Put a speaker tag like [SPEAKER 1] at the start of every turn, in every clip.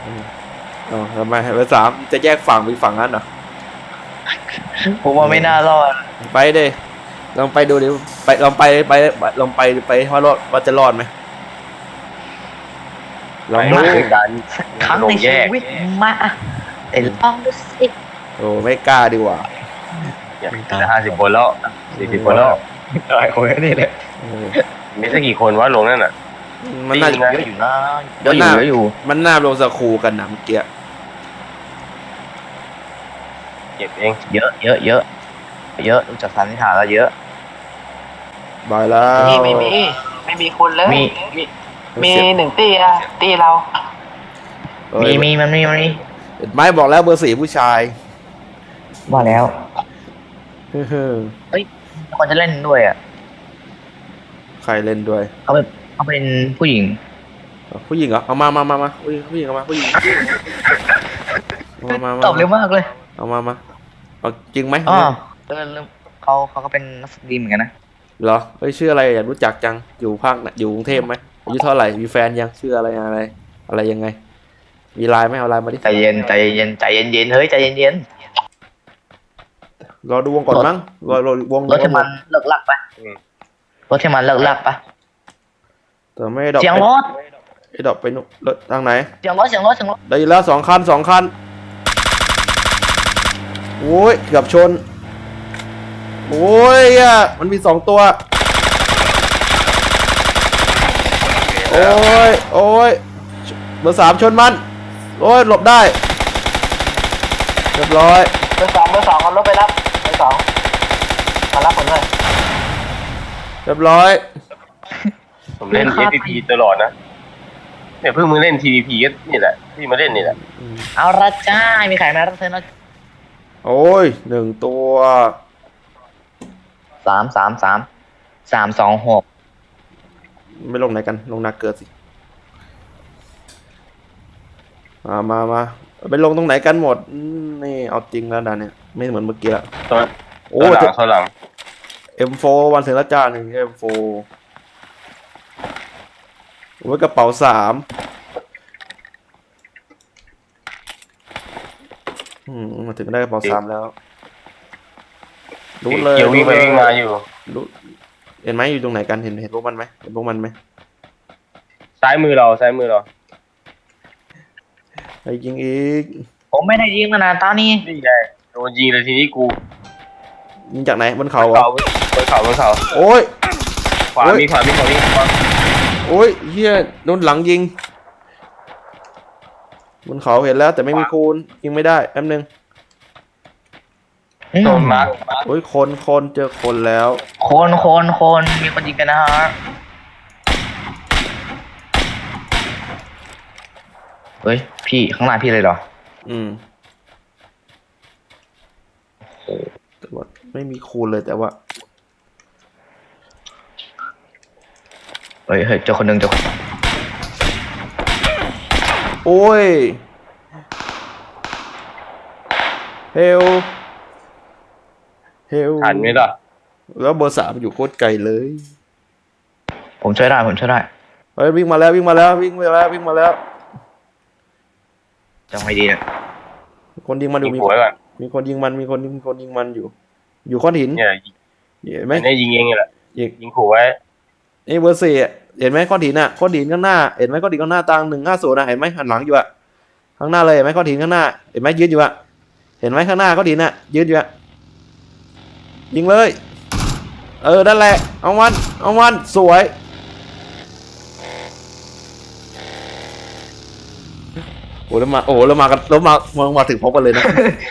[SPEAKER 1] อ๋อทำไมเบอร์สามจะแยกฝั่งไปฝั่งนั้นเหรอ
[SPEAKER 2] ผมว่าไม่น่ารอด
[SPEAKER 1] ไปดิลองไปดูดิไปลองไปลองไปว่าจะรอดไหมลองดู
[SPEAKER 3] ไปด้วยกัน
[SPEAKER 2] ครั้งในชีวิตมาแต่ลองดูสิ
[SPEAKER 1] โอ้ไม่กล้าดีกว่า
[SPEAKER 3] จะ50 คนแล้ว40 คนแล้ว
[SPEAKER 2] หลายคนนี่เลย
[SPEAKER 1] เออ
[SPEAKER 3] มีสักกี่คนวะลงนั่นน่ะ
[SPEAKER 1] มันน่า
[SPEAKER 3] จริงนะ
[SPEAKER 2] เยอะอยู่นะเยอะอยู่เยอะอยู่
[SPEAKER 1] มันน่าลงสคูกันนะเมื่อกี้
[SPEAKER 3] เก็บเอง
[SPEAKER 2] เยอะเยอะเยอะเยอะดูจากสันนิษฐานแล้วเยอะ
[SPEAKER 1] บายแล้ว
[SPEAKER 4] ไม่มีคนเลย
[SPEAKER 2] มี
[SPEAKER 4] มีหนึ่งตีอะตีเรา
[SPEAKER 1] เอ้ย
[SPEAKER 2] มีมันมี
[SPEAKER 1] ไม่บอกแล้วเบอร์สี่ผู้ชาย
[SPEAKER 2] ว่าแล้ว
[SPEAKER 1] เฮ้อ
[SPEAKER 2] คนจะเล่นด้วยอ่ะ
[SPEAKER 1] ใครเล่นด้วย
[SPEAKER 2] เขาเป็นผู้หญิง
[SPEAKER 1] ผู้หญิงเหรอเอามาผู้หญิงเอามาผู้หญิงมา
[SPEAKER 2] ตอบเร็วมากเลย
[SPEAKER 1] เอามาเอาจริงไหม
[SPEAKER 2] อ๋อเขาก็เป็นนักแสดงเหมือนกันนะ
[SPEAKER 1] เหรอเฮ้ยชื่ออะไรอยากรู้จักจังอยู่ภาคไหนอยู่กรุงเทพไหมอายุเท่าไหร่มีแฟนยังชื่ออะไรยังไง มีไลน์ไหมเอาไลน์มาดิ
[SPEAKER 2] ใจเย็นใจเย็นใจเย็นเย็นเฮ้ยใจเย็นเย็น
[SPEAKER 1] รอดูวงก่อนมั้งรอวง
[SPEAKER 2] รถที่มันเลิกลักปะรถที่มันเลิกลักปะ
[SPEAKER 1] แต่ไม่ดอก
[SPEAKER 2] เสียงรถ
[SPEAKER 1] ไอ้ดอกไปนู่นรถทางไหน
[SPEAKER 2] เสียงรถเสียงรถเสียงรถ
[SPEAKER 1] ได้ยินแล้วสองคันโอ้ยเกือบชนโอ้ยอ่ะมันมี2 ตัวโอ้ยเบอร์ 3ชนมันโอ้ยหลบได้เรียบร้อย
[SPEAKER 4] เบอร์สองเอารถไปรับเบอร์สองมารับผมเลย
[SPEAKER 1] เรียบร้อย
[SPEAKER 3] ผมเล่น FPP ตลอดนะเนี่ยเพิ่งมึงเล่น TVP ก็นี่แหละที่มาเล่นนี่แหละ
[SPEAKER 2] เอาละจ้ามีใครมารับเธอนะ
[SPEAKER 1] โอ้ย1 ตัว
[SPEAKER 2] 326
[SPEAKER 1] ไม่ลงไหนกันลงนาเกิดสิมาไปลงตรงไหนกันหมดนี่เอาจริงแล้วด่านเนี่ยไม่เหมือนเมื่อกี้ละ
[SPEAKER 3] ตัว
[SPEAKER 1] โอ้
[SPEAKER 3] ตัวหลัง
[SPEAKER 1] M4 วันเสาร์ละจ้าหนึ่ง M4 ไว้กระเป๋า3มาถึงได้กระเป๋า3แล้วรู้เลย
[SPEAKER 3] เกี่ยววิ่งไปวิ่งมาอยู่
[SPEAKER 1] รู้เห็นไหมอยู่ตรงไหนกันเห็นพวกมันไหมเห็นพวกมันไหม
[SPEAKER 3] ซ้ายมือเรา
[SPEAKER 1] ไอ้ยิงอีก
[SPEAKER 2] ผมไม่ได้ยิงมานานตอนนี้
[SPEAKER 3] นี่ไงโดนยิงเลยทีนี้กู
[SPEAKER 1] ยิงจากไหนบนเขาเหรอบ
[SPEAKER 3] นเขา
[SPEAKER 1] โอ้ย
[SPEAKER 3] ขวามี
[SPEAKER 1] โอ้ยเฮียโดนหลังยิงบนเขาเห็นแล้วแต่ไม่มีคูณยิงไม่ได้แป๊บนึง
[SPEAKER 3] โดนมาร์ค
[SPEAKER 1] โอ้ยคนเจอคนแล้ว
[SPEAKER 2] คนมีคนยิงกันนะฮะเฮ้ยพี่ข้างหน้าพี่เลยเหรอ
[SPEAKER 1] แต่ว่าไม่มีคูณเลยแต่ว่า
[SPEAKER 2] เฮ้ยเจอคนหนึ่งเจอคน
[SPEAKER 1] โอ้ยเฮล
[SPEAKER 3] ทันไหมล่ะ
[SPEAKER 1] แล้วเบอร์ 3อยู่โคตรไกลเลย
[SPEAKER 2] ผมช่วยได้
[SPEAKER 1] เฮ้ยวิ่งมาแล้ว
[SPEAKER 2] จังไม่ดีนะ
[SPEAKER 1] คนยิงมันอยู่
[SPEAKER 3] ยิงหัวก่อน
[SPEAKER 1] มีคนยิงมันอยู่อยู่ก้อนหิน
[SPEAKER 3] เนี่ย
[SPEAKER 1] เห็นไหม
[SPEAKER 3] ไม่ยิงเองแหละ
[SPEAKER 1] ยิง
[SPEAKER 3] ยิงขู่ไว้
[SPEAKER 1] นี่เบอร์ 4เห็นไหมก้อนหินก้อนหินข้างหน้าเห็นไหมก้อนหินข้างหน้าตัง150เห็นไหมหันหลังอยู่ข้างหน้าเลยเห็นไหมก้อนหินข้างหน้าเห็นไหมยืนอยู่เห็นไหมข้างหน้าก้อนหินยืนอยู่ยิงเลยนั่นแหละเอามันสวยแล้วมาถึงพบกันเลยนะ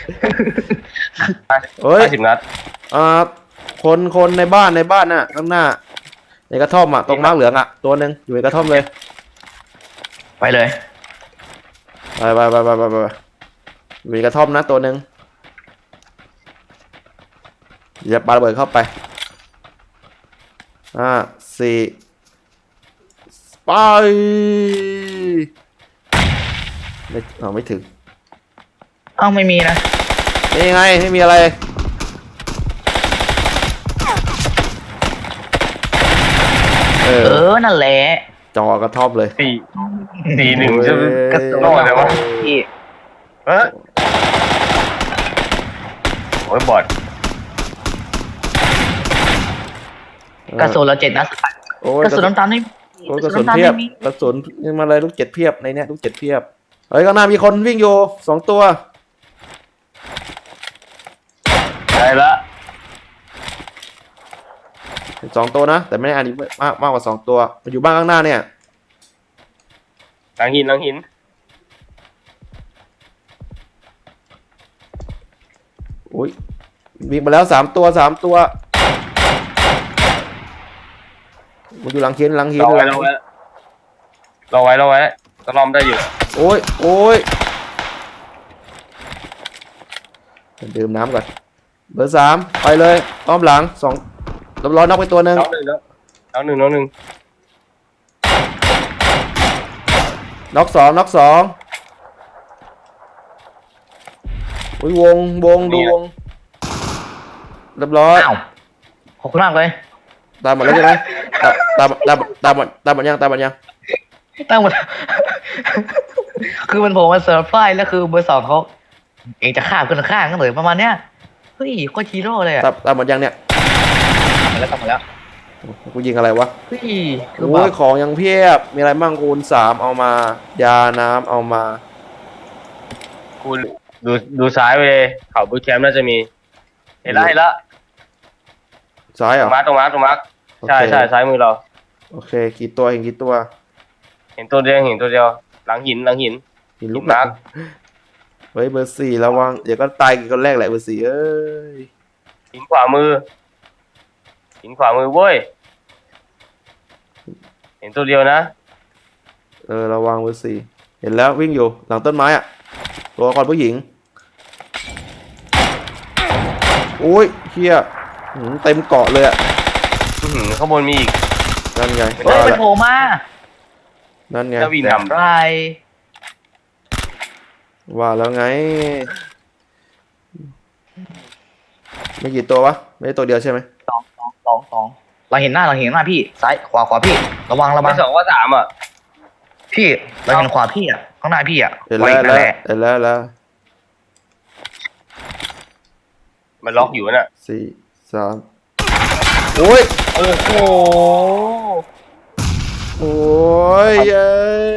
[SPEAKER 1] เฮ้ย
[SPEAKER 3] 50 นัด
[SPEAKER 1] คนในบ้านน่ะข้างหน้าในกระท่อมตรงมาร์กเหลืองตัวหนึ่งอยู่ในกระท่อมเลย
[SPEAKER 2] ไปเลย
[SPEAKER 1] ไปอยู่ในกระท่อมนะตัวหนึ่งอย่าปาระเบิดเข้าไป4ไปไม่ถึง
[SPEAKER 2] ไม่มีนะ
[SPEAKER 1] นี่ไงไม่มีอะไร
[SPEAKER 2] นั่นแหละ
[SPEAKER 1] จอกระทบเลย
[SPEAKER 3] 4-1จะ
[SPEAKER 2] กระสุน
[SPEAKER 3] รอดเลยวะ
[SPEAKER 2] พี่
[SPEAKER 3] เออโอ้ยบอด
[SPEAKER 2] กระสุนเรา7 นัด
[SPEAKER 1] โอ้ย
[SPEAKER 2] กระสุนน้ำตาลไม่มี
[SPEAKER 1] โอ้ยกระสุนเพียบกระสุนมาเลยลูกเจ็ดเพียบในเนี้ยลูกเจ็ดเพียบเฮ้ยข้างหน้ามีคนวิ่งอยู่2 ตัว
[SPEAKER 3] ได้ละ
[SPEAKER 1] 2 ตัวนะแต่ไม่ได้อันนี้มากกว่า2 ตัวมันอยู่บ้านข้างหน้าเนี่ย
[SPEAKER 3] หลังหิน
[SPEAKER 1] โอ้ยวิ่งมาแล้ว3 ตัวมันอยู่หลังหิน
[SPEAKER 3] รอไว้ตะลอมได้อยู่
[SPEAKER 1] โอ้ยดื่มน้ำก่อนเบอร์ 3ไปเลยอ้อมหลัง2ร้อยน็อกไปตัวหนึ่ง
[SPEAKER 3] น้องหนึ่ง
[SPEAKER 1] น็อกสองอุ้ยวงดูวงเรียบร้อย
[SPEAKER 2] อ้าวขอบคุณมากเลย
[SPEAKER 1] ตามหมดแล้วใช่ไหมตามหมดยัง
[SPEAKER 2] ตั้งหมด คือมันโผล่มาเซอร์ไพรส์แล้วคือเบอร์ 2เขาเองจะฆ่าคนข้างกันเลยประมาณเนี้ยเฮ้ยโคตรฮีโร่เลยอะ
[SPEAKER 1] ตามหมดยังเนี่ย
[SPEAKER 2] ทำมาแล้ว
[SPEAKER 1] กูยิงอะไรวะ
[SPEAKER 2] เฮ้ยคือแบ
[SPEAKER 1] โอ้ย
[SPEAKER 2] บ
[SPEAKER 1] ของยังเพียบมีอะไรบ้างคูณ3เอามายาน้ำเอามา
[SPEAKER 3] คุณดูซ้ายไปเลยเขาบูทแคมป์น่าจะมีเห็นละ
[SPEAKER 1] ซ้ายเหรอ
[SPEAKER 3] ตรงมาร์ค
[SPEAKER 1] โอเค
[SPEAKER 3] ใช่ซ้ายมือเรา
[SPEAKER 1] โอเคกี่ตัวเห็นกี่ตัว
[SPEAKER 3] เห็นตัวเดียวหลังหิน
[SPEAKER 1] หินลูก
[SPEAKER 3] มาร์ค
[SPEAKER 1] เฮ้ยเบอร์ 4ระวังเดี๋ยวก็ตายกี่คนแรกแหละเบอร์ 4เอ้ย
[SPEAKER 3] หินขวามือเว้ยเห็นตัวเดียวนะ
[SPEAKER 1] ระวังเบอร์ 4เห็นแล้ววิ่งอยู่หลังต้นไม้อะตัวละครผู้หญิงโอ้ยเฮียเต็มเกาะเลยอะ
[SPEAKER 3] ข้างบนมีอีก
[SPEAKER 1] นั่นไง
[SPEAKER 2] เฮ้ย
[SPEAKER 1] ว่า
[SPEAKER 2] มัน
[SPEAKER 1] แล้ว
[SPEAKER 2] โผล่มา
[SPEAKER 1] นั่นไง
[SPEAKER 3] จะวิ่งนำ
[SPEAKER 2] ไร
[SPEAKER 1] ว่าแล้วไงไม่กี่ตัววะไม่ได้ตัวเดียวใช่ไหม
[SPEAKER 2] สองเราเห็นหน้าพี่ซ้ายขวาพี่ระวัง
[SPEAKER 3] ไม่2ก็3อ่ะ
[SPEAKER 2] พี่เราเห็นขวาพี่อ่ะข้างหน้าพี่อ่ะ
[SPEAKER 1] เห็น
[SPEAKER 2] ไว้
[SPEAKER 1] แล้ว
[SPEAKER 2] นั่นแหละ
[SPEAKER 1] เห็นแล้ว
[SPEAKER 3] มันล็อกอยู่น่ะ
[SPEAKER 1] 4 3โอ้ย
[SPEAKER 2] โอ้โห
[SPEAKER 1] โอ้ยเย้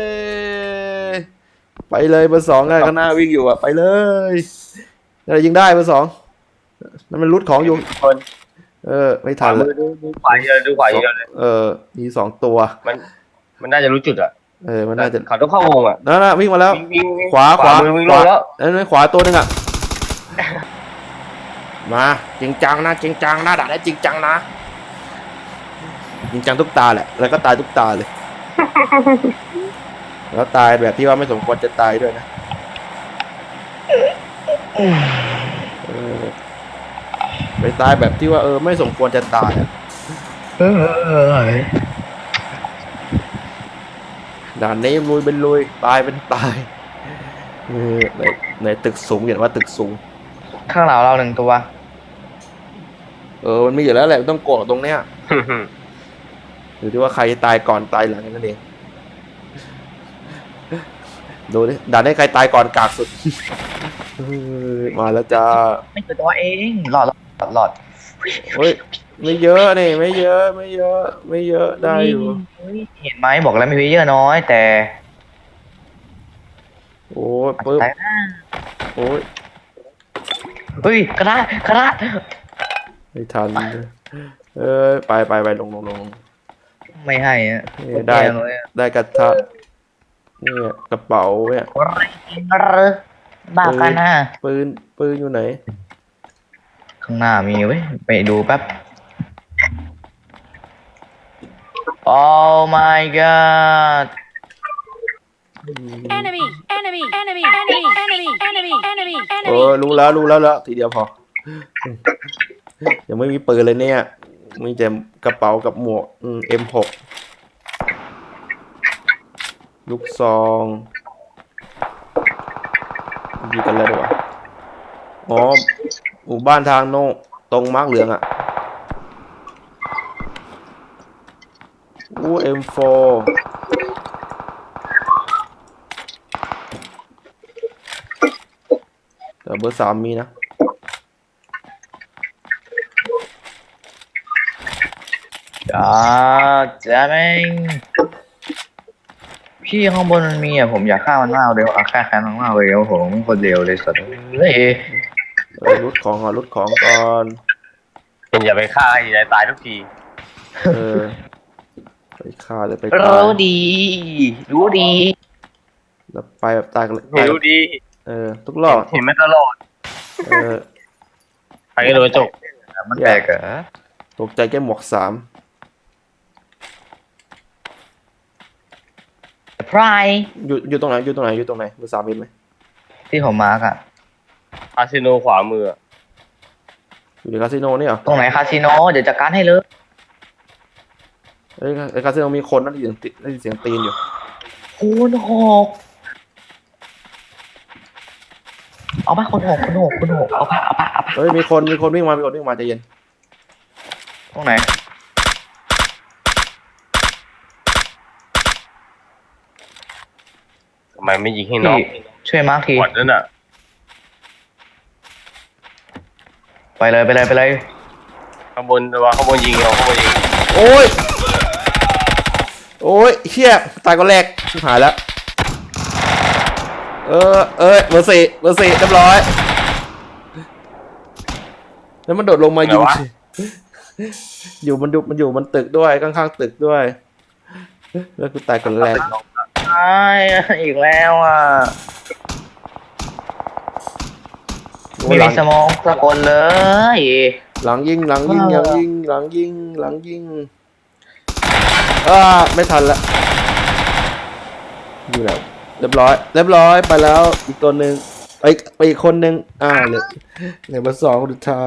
[SPEAKER 1] ไปเลยเบอร์ 2ไงข้างหน้าวิ่งอยู่อะไปเลยอะไรยิงได้เบอร์ 2นั่นมันรุดของอยู่
[SPEAKER 3] คน
[SPEAKER 1] ไม่
[SPEAKER 3] ขวา
[SPEAKER 1] ทัน
[SPEAKER 3] มื
[SPEAKER 1] เล
[SPEAKER 3] อย ดูขวาเยอะเลย
[SPEAKER 1] มี2 ตัว
[SPEAKER 3] มันน่าจะรู้จุดอ่ะ
[SPEAKER 1] มันน่าจะ
[SPEAKER 3] เขาต้องเข้าวงอ่ะ
[SPEAKER 1] นั่นวิ่งมาแล้ว
[SPEAKER 3] วิ่ง
[SPEAKER 1] ขวา
[SPEAKER 3] มือวิ่งลงแล้ว
[SPEAKER 1] นั่นขวาตัวหนึงอะมาจริงจังนะด่าได้จริงจังนะจริงจังทุกตาแหละแล้วก็ตายทุกตาเลย แล้วตายแบบที่ว่าไม่สมควรจะตายด้วยนะไปตายแบบที่ว่าไม่สมควรจะตายอะด่านนี้ลุยเป็นลุยตายเป็นตายในตึกสูงอย่างว่าตึกสูง
[SPEAKER 2] ข้างหลังเรา1 ตัว
[SPEAKER 1] มันมีอยู่แล้วแหละต้องโกรธตรงเนี้ยอยู่ที่ว่าใครตายก่อนตายหลังนั่นเองดูดิด่านให้ใครตายก่อนกากสุด มาแล้วจ้า
[SPEAKER 2] ไม่เจอตัวเองหลอด
[SPEAKER 1] เฮ้ยไม่เยอะนี่ไม่เยอะได้อยู่
[SPEAKER 2] เฮ้ยเห็นไหมบอกแล้วมีเพลเยอร์น้อยแต่
[SPEAKER 1] โอ้ยปึ๊บ
[SPEAKER 2] แต่นะ
[SPEAKER 1] โอ้ย
[SPEAKER 2] เฮ้ยกระดาษ
[SPEAKER 1] ไม่ทันไปลง
[SPEAKER 2] ไม่ให้อะ
[SPEAKER 1] ได้
[SPEAKER 2] แย่เลยอะ
[SPEAKER 1] ได้กระทะเนี่ยกระเป๋าเนี่ย
[SPEAKER 2] อะไรกินบ้ากันนะ
[SPEAKER 1] ปืนอยู่ไหน
[SPEAKER 2] ข้างหน้ามีเว้ยไปดูแป๊บ Oh my god
[SPEAKER 5] Enemy, enemy, enemy, enemy, enemy, enemy, enemy,
[SPEAKER 1] รู้แล้วทีเดียวพอ ยังไม่มีปืนเลยเนี่ยมีแต่กระเป๋ากับหมวกM6 ลูกซองดีกันแล้วดีกว่าหมู่บ้านทางโน้ตรงมาร์กเหลืองอ่ะM4 แต่เบอร์สามมีนะ
[SPEAKER 2] จะแม่งพี่ข้างบนมันมีอ่ะผมอยากฆ่ามันมากเร็วฆ่าแค้นมันมากเลยโอ้โหมันคนเดียวเลยสัตว์เฮ้ย
[SPEAKER 1] รุดของก่อนรุดของก่อน
[SPEAKER 3] เป็นอย่าไปฆ่าไอ้ยายตายทุกที
[SPEAKER 1] เออไปฆ่าเลยไปตาย
[SPEAKER 2] รู้ดีรู้ดี
[SPEAKER 1] แล้วไปแบบตายกันเลย
[SPEAKER 3] ไม่รู้ดี
[SPEAKER 1] เออทุกรอบ
[SPEAKER 3] เห็นมาตลอด
[SPEAKER 1] เออ
[SPEAKER 3] ใครก็โดนจก
[SPEAKER 2] มันแปลกเหรอ
[SPEAKER 1] ตกใจแก้หมวกสาม
[SPEAKER 2] พราย
[SPEAKER 1] อยู่ตรงไหนอยู่ตรงไหนอยู่ตรงไหนเบอร์สามเห็นไหม
[SPEAKER 2] ที่ผมมาร์กอ่ะ
[SPEAKER 3] คาสิโนขวามือ
[SPEAKER 1] อยู่ในคาสิโนนี่เหรอ
[SPEAKER 2] ตรงไหนคาสิโนเดี๋ยวจัดการให้เลย
[SPEAKER 1] เอ้ยไอ้คาสิโนมีคนนั่นได้ยินเสียงตีนอยู่
[SPEAKER 2] คุณหกเอาปะคุณหกเอาปะเอาปะ
[SPEAKER 1] เฮ้ยมีคนวิ่งมาใจเย็น
[SPEAKER 2] ตรงไหน
[SPEAKER 3] ทำไมไม่ยิงให้น้อง
[SPEAKER 2] พี่ช่วยมาร์กที
[SPEAKER 3] หมดแล้วน่ะ
[SPEAKER 2] ไปเลย
[SPEAKER 3] ข้างบนว่าข้างบนยิงเอาข้างบนยิง
[SPEAKER 1] โอ้ยเฮียตายก็แรกชิบหายแล้วเบอร์สี่เรียบร้อยแล้วมันโดดลงมายิงอยู่มันตึกด้วยข้างๆตึกด้วยแล้วกูตายคนแรก
[SPEAKER 2] ใช่อีกแล้วอ่ะไม่มีสมองสักคนเลย
[SPEAKER 1] หลังยิงไม่ทันละอยู่แล้วเรียบร้อยไปแล้วอีกตัวหนึ่งไปอีกคนหนึ่งเหลือเบอร์สองคนสุดท้าย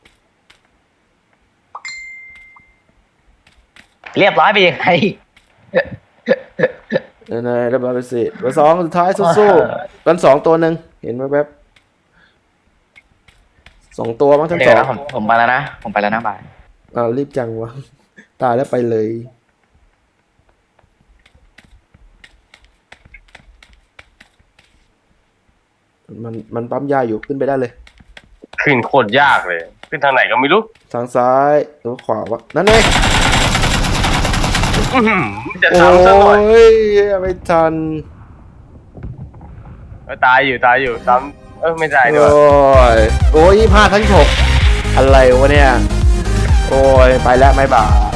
[SPEAKER 2] เรียบร้อยไปยังไง
[SPEAKER 1] นายเรียบร้อยไปสิเบอร์สองคนสุดท้ายสู้ๆกันสองตัวหนึ่งเห็นไหมแป๊บสองตัวมั้งทั้ง
[SPEAKER 2] เดี๋
[SPEAKER 1] ส
[SPEAKER 2] ยว
[SPEAKER 1] อง
[SPEAKER 2] นะผมไปแล้วนะบ่าย
[SPEAKER 1] รีบจังวะตายแล้วไปเลยมันปั๊มยาอยู่ขึ้นไปได้เลย
[SPEAKER 3] ขึ้นโคตรยากเลย ขึ้นทางไหนก็ไม่รู้
[SPEAKER 1] ทางซ้ายหรือขวาวะนั่นเอง
[SPEAKER 3] อื้อหือจะ
[SPEAKER 1] โอ้
[SPEAKER 3] ซ้ำซะหน่อย
[SPEAKER 1] ยไม่ทัน
[SPEAKER 3] ตายอยู่ซ้ำไม่ได้
[SPEAKER 1] โอ้
[SPEAKER 3] ด้วย
[SPEAKER 1] ย25 ทั้ง 6อะไรวะเนี่ย โอ้ย ไปแล้วไม่บาย